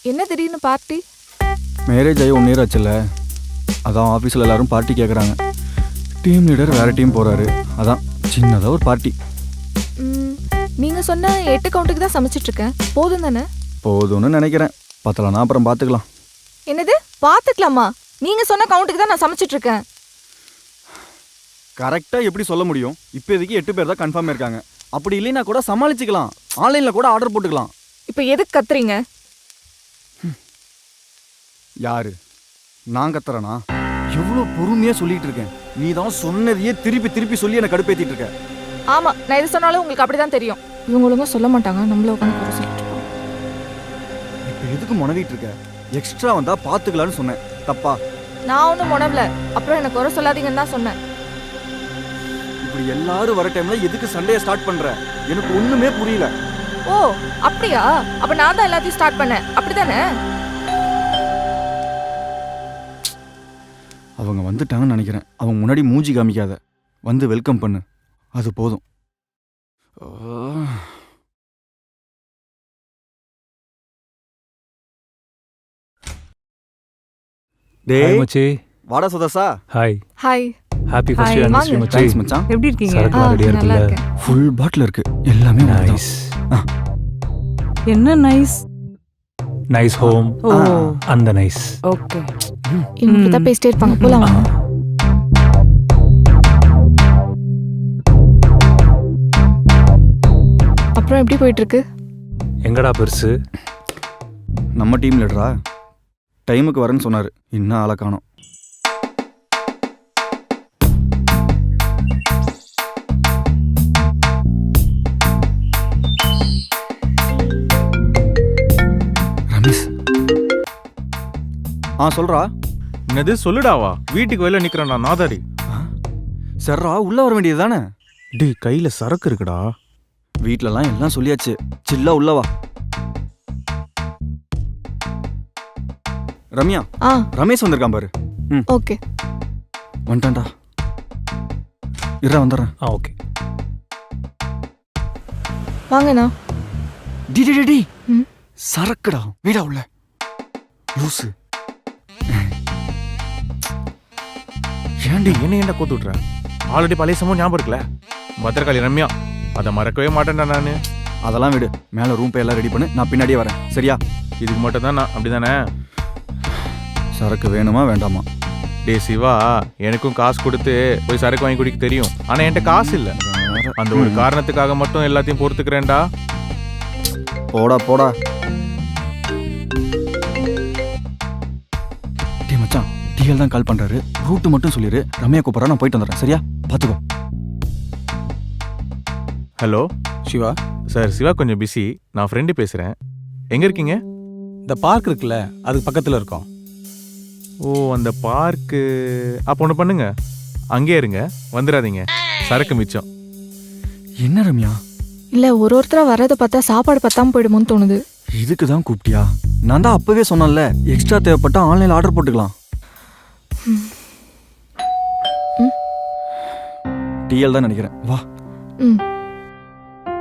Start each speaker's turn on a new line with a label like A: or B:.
A: என்ன திடீர்னு party?
B: Marriage ஆகி 1 இயர் ஆச்சுல்ல, அதான் ஆஃபீஸில் எல்லாரும் பார்ட்டி கேட்குறாங்க. டீம் லீடர் வேறு டீம் போகிறாரு, அதான் சின்னதாக ஒரு பார்ட்டி.
A: நீங்கள் சொன்ன 8 கவுண்ட்டுக்கு தான் சமைச்சிட்ருக்கேன், போதும் தானே?
B: போதும்னு நினைக்கிறேன், பத்தலனா அப்புறம் பார்த்துக்கலாம்.
A: என்னது பார்த்துக்கலாமா? நீங்கள் சொன்ன கவுண்ட்டுக்கு தான் நான் சமைச்சிட்ருக்கேன்.
B: கரெக்டாக எப்படி சொல்ல முடியும்? இப்போதைக்கு 8 பேர் தான் கன்ஃபார்ம் இருக்காங்க. அப்படி இல்லைன்னா கூட சமாளிச்சுக்கலாம், ஆன்லைனில் கூட ஆர்டர் போட்டுக்கலாம்.
A: இப்போ எதுக்கு கத்துறீங்க?
B: யாரு? நான் கத்துறேனா? எவ்வளோ பொறுமையாக சொல்லிட்டு இருக்கேன், நீ தான் சொன்னதையே திருப்பி திருப்பி சொல்லி என்னை கடுப்பேற்றிட்டு இருக்க.
A: ஆமாம், நான் எது சொன்னாலும் உங்களுக்கு அப்படி தான் தெரியும். இவங்க ஒழுங்காக சொல்ல மாட்டாங்க, நம்மள உட்காந்து குறை சொல்லிட்டு இருக்கோம்.
B: இப்போ எதுக்கு முனவிட்டு இருக்க? எக்ஸ்ட்ரா வந்தால் பார்த்துக்கலான்னு சொன்னேன், தப்பா?
A: நான் ஒன்றும் முனவல, அப்புறம் எனக்கு குறை சொல்லாதீங்கன்னு தான் சொன்னேன்.
B: இப்படி எல்லாரும் வர டைம்ல எதுக்கு சண்டையை ஸ்டார்ட் பண்ற? எனக்கு ஒண்ணுமே புரியல.
A: ஓ அப்படியா? அப்ப நான் தான் எல்லாத்தையும் ஸ்டார்ட் பண்ணேன், அப்படிதானே?
B: அவங்க வந்துட்டாங்கன்னு நினைக்கிறேன். அவங்க முன்னாடி மூஞ்சி காமிக்காத, வந்து வெல்கம் பண்ணு, அது போதும்.
C: டேய் மச்சி,
B: வாடா சுதர்சா.
C: Hi.
A: Hi.
C: Happy first
A: Hi.
C: anniversary மச்சி.
B: தேங்க்ஸ் மச்சான்.
D: எப்படி இருக்கீங்க?
C: சரக்குலாம் ரெடியா
A: நல்லா
C: இருக்குல்ல?
A: இருக்கேன்.
B: ஃபுல் பாட்டில் இருக்கு, எல்லாமே
C: நைஸ்.
D: என்ன நைஸ்.
C: Nice home.
D: ஓ
C: அந்த நைஸ்.
D: ஓகே.
A: இவங்க தான் பேசிட்டே இருப்பாங்க, போலாம் வாங்க. அப்புறம் எப்படி போயிட்டு இருக்கு?
C: எங்கடா பெருசு?
B: நம்ம டீம் லீடரா டைமுக்கு வரேன்னு சொன்னாரு, இன்னும் ஆளை காணோம். ரமேஷ். சொல்றா.
E: என்னது சொல்லுடாவா? வீட்டுக்கு வெளில நிக்கிறேன்டா நாதாரி.
B: சர்ரா, உள்ள வர வேண்டியது தானே?
E: டேய் கையில சரக்கு இருக்குடா.
B: வீட்லலாம் எல்லாம் சொல்லியாச்சு, சில்லா உள்ளவா. ரம்யா, ரமேஷ் வந்திருக்கான் பாரு.
A: ஓகே
B: வந்துட்டான்டா, வந்துடுறேன்.
C: ஓகே
A: வாங்கண்ணா.
B: டி டி டி
A: ம்.
B: சரக்குடா, வீடா உள்ள லூசு.
E: ஏன்டி என்ன ஏன்டா கோத்து விட்ற? ஆல்ரெடி பழைய சம்பவம் ஞாபகம் இருக்குல்ல, பத்திரகாளி ரம்யா, அதை மறக்கவே மாட்டேன்டா நானு.
B: அதெல்லாம் விடு, மேல ரூம் எல்லாம் ரெடி பண்ணு, நான் பின்னாடியே வரேன், சரியா?
E: இதுக்கு மட்டும் தான் நான் அப்படிதானே?
B: சரக்கு வேணுமா வேண்டாமா?
E: டே சிவா, எனக்கும் காசு கொடுத்து போய் சரக்கு வாங்கி குடிக்க தெரியும், ஆனா என்கிட்ட காசு இல்ல. அந்த ஒரு காரணத்துக்காக மட்டும் எல்லாத்தையும் பொறுத்துக்கிறேன்டா.
B: போடா போடா. டே மச்சான், டிஎல் தான் கால் பண்றாரு, ரூட் மட்டும் சொல்லிரு, ரம்யா கூப்பிட்றா, நான் போயிட்டு வந்துடுறேன், சரியா? பாத்துக்கோ.
E: ஹலோ
F: சிவா
E: சார், சிவா கொஞ்சம் பிஸி, நான் ஃப்ரெண்டு பேசுறேன். எங்க இருக்கீங்க?
F: இந்த பார்க் இருக்குல்ல, அதுக்கு பக்கத்துல இருக்கோம்.
E: ஓ அந்த பார்க்கு. அப்போ ஒன்று பண்ணுங்க, அங்கே இருங்க, வந்துடாதீங்க, சரக்கு மிச்சம்.
B: என்ன ரம்யா?
A: இல்ல, ஒருத்தரா வர்றதை பார்த்தா சாப்பாடு பத்தாம போயிடுமோன்னு தோணுது.
B: இதுக்கு தான் கூப்பிட்டியா? நான் தான் அப்பவே சொன்னேன்ல, எக்ஸ்ட்ரா தேவைப்பட்டா ஆன்லைன்ல ஆர்டர் போட்டுக்கலாம். டிஎல் தான் நினைக்கிறேன், வா.